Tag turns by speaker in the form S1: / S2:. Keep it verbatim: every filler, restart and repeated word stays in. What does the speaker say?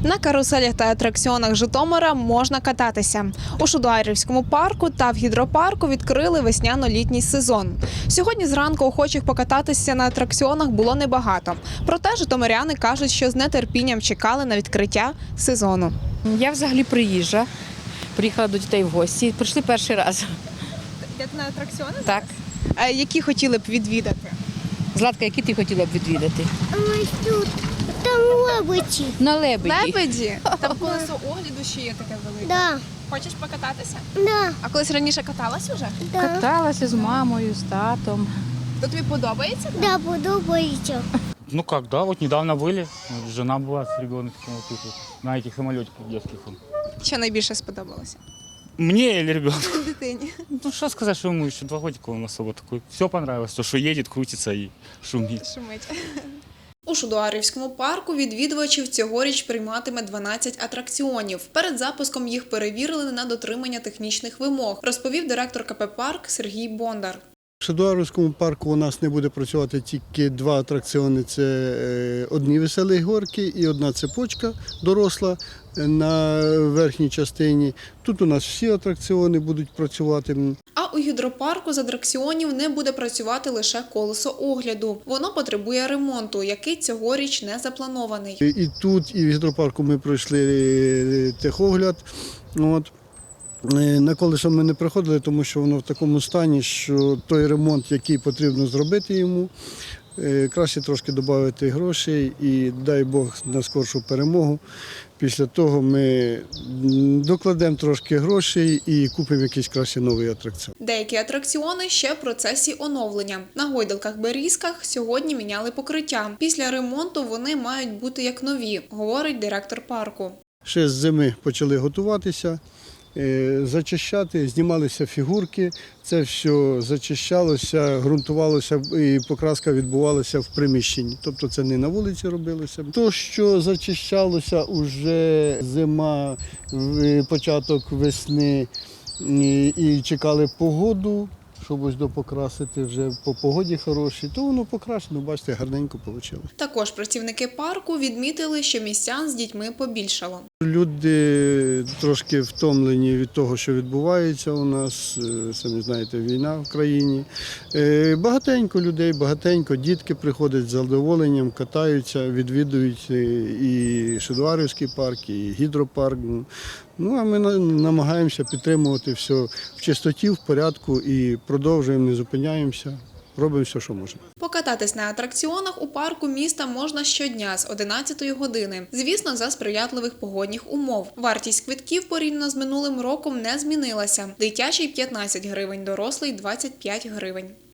S1: На каруселях та атракціонах Житомира можна кататися. У Шудуарівському парку та в гідропарку відкрили весняно-літній сезон. Сьогодні зранку охочих покататися на атракціонах було небагато. Проте житомиряни кажуть, що з нетерпінням чекали на відкриття сезону.
S2: Я взагалі приїжджа. Приїхала до дітей в гості. Прийшли перший раз.
S1: Йдете на атракціони?
S2: Так.
S1: А які хотіли б відвідати?
S2: Златка, які ти хотіла б відвідати?
S3: Ось тут, там лебеді.
S2: На лебеді.
S1: Лебеді? Там колесо огляду ще є таке велике.
S3: Да,
S1: Хочеш покататися?
S3: да,
S1: А колись раніше каталась уже?
S3: да,
S2: Каталася з мамою, з татом.
S1: То тобі подобається?
S3: да, подобається.
S4: Ну как, да, вот недавно были, вот жена была с ребенком вот тут вот, на этих самолетиках детских.
S1: Що найбільше сподобалося?
S4: Мне или ребенку?
S1: Дитині.
S4: Ну что сказать, что ему еще два годика, он особо такой. Все понравилось, то, что едет, крутится и шумит.
S1: Шумить. У Шудуарівському парку відвідувачів цьогоріч прийматиме дванадцять атракціонів. Перед запуском їх перевірили на дотримання технічних вимог, розповів директор ка пе «Парк» Сергій Бондар.
S5: В Шудуарівському парку у нас не буде працювати тільки два атракціони. Це е, одні веселі горки і одна цепочка доросла на верхній частині. Тут у нас всі атракціони будуть працювати.
S1: А у гідропарку з атракціонів не буде працювати лише колесо огляду. Воно потребує ремонту, який цьогоріч не запланований.
S5: І тут, і в гідропарку ми пройшли техогляд. От. На колесо ми не приходили, тому що воно в такому стані, що той ремонт, який потрібно зробити йому, краще трошки додати грошей і дай Бог на скоршу перемогу. Після того ми докладемо трошки грошей і купимо якийсь краще новий атракціон.
S1: Деякі атракціони ще в процесі оновлення. На гойдалках-берізках сьогодні міняли покриття. Після ремонту вони мають бути як нові, говорить директор парку.
S5: Ще з зими почали готуватися. Зачищати, знімалися фігурки, це все зачищалося, ґрунтувалося і покраска відбувалася в приміщенні. Тобто це не на вулиці робилося. То, що зачищалося вже зима, початок весни і чекали погоду, щоб ось допокрасити вже по погоді хорошій, то воно покрашено, бачите, гарненько вийшло.
S1: Також працівники парку відмітили, що містян з дітьми побільшало.
S5: Люди трошки втомлені від того, що відбувається у нас, самі знаєте, війна в країні. Багатенько людей, багатенько, дітки приходять з задоволенням, катаються, відвідують і Шудуарівський парк, і гідропарк. Ну, а ми намагаємося підтримувати все в чистоті, в порядку і продовжуємо, не зупиняємося. Робимо все, що можемо.
S1: Покататись на атракціонах у парку міста можна щодня з одинадцятої години. Звісно, за сприятливих погодних умов. Вартість квитків порівняно з минулим роком не змінилася. Дитячий – п'ятнадцять гривень, дорослий – двадцять п'ять гривень.